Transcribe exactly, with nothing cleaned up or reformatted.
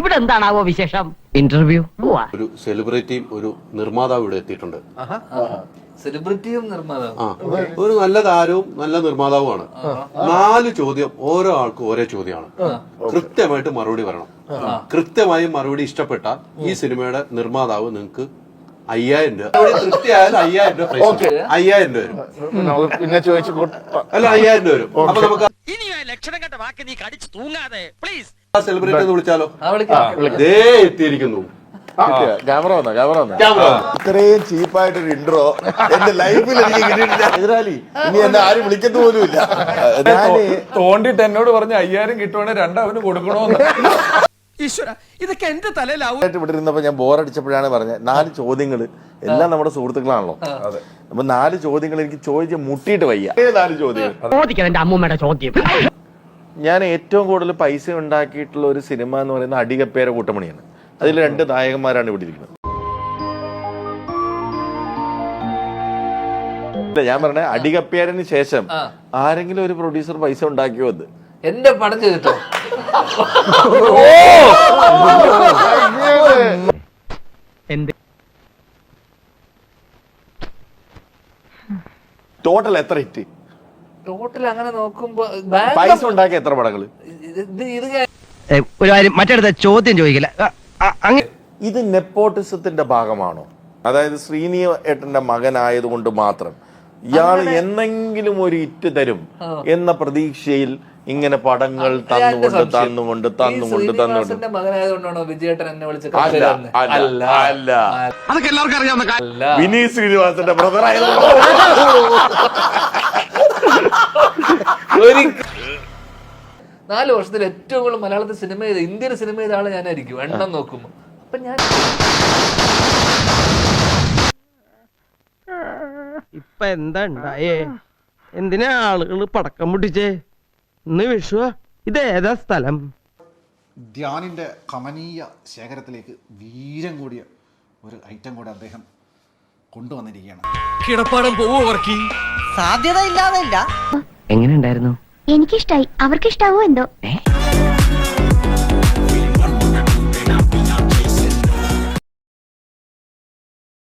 ഇവിടെ എന്താണാവോ വിശേഷം? ഇന്റർവ്യൂ. ഒരു സെലിബ്രിറ്റിയും ഒരു നിർമ്മാതാവും ഇവിടെ എത്തിയിട്ടുണ്ട്. സെലിബ്രിറ്റിയും നിർമ്മാതാവും ഒരു നല്ല താരവും നല്ല നിർമ്മാതാവുമാണ്. നാല് ചോദ്യം ഓരോ ആൾക്കും ഓരോ ചോദ്യമാണ്. കൃത്യമായിട്ട് മറുപടി പറയണം. കൃത്യമായി മറുപടി ഇഷ്ടപ്പെട്ടാൽ ഈ സിനിമയുടെ നിർമ്മാതാവ് നിങ്ങൾക്ക് അയ്യായിരം രൂപ, തൃപ്തിയായാലും അയ്യായിരം രൂപ പ്രൈസ്, അയ്യായിരം രൂപ വരും. പിന്നെ ചോദിച്ചു അല്ല, അയ്യായിരം രൂപ വരും. അപ്പൊ നമുക്ക് ലക്ഷണം കണ്ട വാക്ക് നീ കടിച്ചു തൂങ്ങാതെ പ്ലീസ്. സെലിബ്രിറ്റി എന്ന് വിളിച്ചാലോ? ദേ എത്തിയിരിക്കുന്നു. ക്യാമറ വന്നോ? ക്യാമറ വന്നോ? ക്യാമറ ഇത്രയും ചീപ്പായിട്ടൊരു ഇൻട്രോ എന്റെ ലൈഫിൽ എനിക്ക് കിട്ടിയിട്ടില്ല. എതിരാളി ഇനി എന്നെ ആരും വിളിക്കത്ത് പോലും ഇല്ല. തോണ്ടിട്ട് എന്നോട് പറഞ്ഞ അയ്യായിരം കിട്ടുവാണെങ്കിൽ രണ്ടവന് കൊടുക്കണോന്ന്. ഈശ്വര, ഇതൊക്കെ എന്റെ തലയിലാവും. ഇവിടെ ഇരുന്നപ്പോ ഞാൻ ബോറടിച്ചപ്പോഴാണ് പറഞ്ഞത് നാല് ചോദ്യങ്ങൾ, എല്ലാം നമ്മുടെ സുഹൃത്തുക്കളാണല്ലോ. അപ്പൊ നാല് ചോദ്യങ്ങൾ എനിക്ക് ചോദിച്ച് മുട്ടിയിട്ട് വയ്യ. നാല് ചോദ്യങ്ങൾ ചോദിക്കണം എന്റെ അമ്മൂമ്മയുടെ ചോദ്യം. ഞാൻ ഏറ്റവും കൂടുതൽ പൈസ ഉണ്ടാക്കിയിട്ടുള്ള ഒരു സിനിമ എന്ന് പറയുന്നത് അടികപ്പേര കൂട്ടമണിയാണ്. അതിൽ രണ്ട് നായകന്മാരാണ് ഇവിടെ ഇരിക്കുന്നത്. ഞാൻ പറഞ്ഞ അടികപ്പേരന് ശേഷം ആരെങ്കിലും ഒരു പ്രൊഡ്യൂസർ പൈസ ഉണ്ടാക്കിയോ? അത് എന്റെ പടം ചെയ്തിട്ടോ? ടോട്ടൽ എത്ര ഹിറ്റ്? ടോട്ടൽ അങ്ങനെ നോക്കുമ്പോ പൈസ ഉണ്ടാക്കിയ എത്ര പടങ്ങള്? ഇത് ഒരു കാര്യം മറ്റടുത്ത ചോദ്യം ചോദിക്കില്ല. ഇത് നെപ്പോട്ടിസത്തിന്റെ ഭാഗമാണോ? അതായത് ശ്രീനി ഏട്ടന്റെ മകനായതുകൊണ്ട് മാത്രം ഇയാൾ എന്തെങ്കിലും ഒരു ഇറ്റ് തരും എന്ന പ്രതീക്ഷയിൽ ഇങ്ങനെ പടങ്ങൾ തന്നുകൊണ്ട് തന്നുകൊണ്ട് തന്നുകൊണ്ട് തന്നുകൊണ്ട് മകനായതുകൊണ്ടാണോ വിജയേട്ടൻ എന്നെ വിളിച്ചത്? അല്ല, അല്ല, അതൊക്കെ എല്ലാവർക്കും അറിയാവുന്ന വിനീത് ശ്രീനിവാസന്റെ ബ്രദർ ആയതുകൊണ്ട്. നാല് വർഷത്തിൽ ഏറ്റവും കൂടുതൽ മലയാളത്തിൽ സിനിമ ചെയ്ത ഇന്ത്യൻ സിനിമ ചെയ്ത ആള് ഞാനായിരിക്കും എണ്ണം നോക്കുമ്പോ. അപ്പൊ ഞാൻ ഇപ്പൊ എന്താ ഉണ്ടായേ? എന്തിനാ ആളുകൾ പടക്കം പൊട്ടിച്ചേ? ഇന്ന് വിഷു. ഇതേതാ സ്ഥലം? ധ്യാനിൻ്റെ കമനീയ ശേഖരത്തിലേക്ക് വീരം കൂടിയ ഒരു ഐറ്റം കൂടെ അദ്ദേഹം കൊണ്ടുവന്നിരിക്കുകയാണ്. കിടപ്പാടം പോവോ വർക്കി? സാധ്യത ഇല്ലാതെ ഇല്ല. എങ്ങനെ ഉണ്ടായിരുന്നു? എനിക്കിഷ്ടായി. അവർക്കിഷ്ടാവോ എന്തോ.